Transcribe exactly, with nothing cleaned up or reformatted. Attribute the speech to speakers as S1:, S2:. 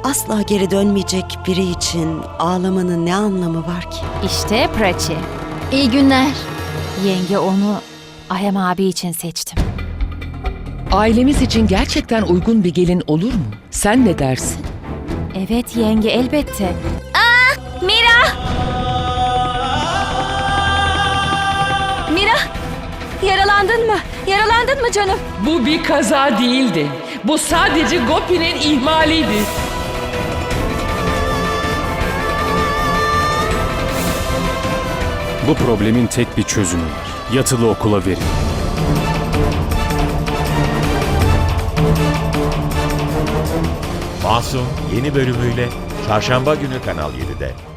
S1: asla geri dönmeyecek biri için ağlamanın ne anlamı var ki?
S2: İşte Prachi.
S3: İyi günler.
S2: Yenge onu Ayem abi için seçtim.
S4: Ailemiz için gerçekten uygun bir gelin olur mu? Sen ne dersin?
S2: Evet yenge, elbette.
S3: Mira! Mira! Yaralandın mı? Yaralandın mı canım?
S4: Bu bir kaza değildi. Bu sadece Gopi'nin ihmaliydi.
S5: Bu problemin tek bir çözümü var. Yatılı okula verin.
S6: Masum yeni bölümüyle Çarşamba günü Kanal yedide.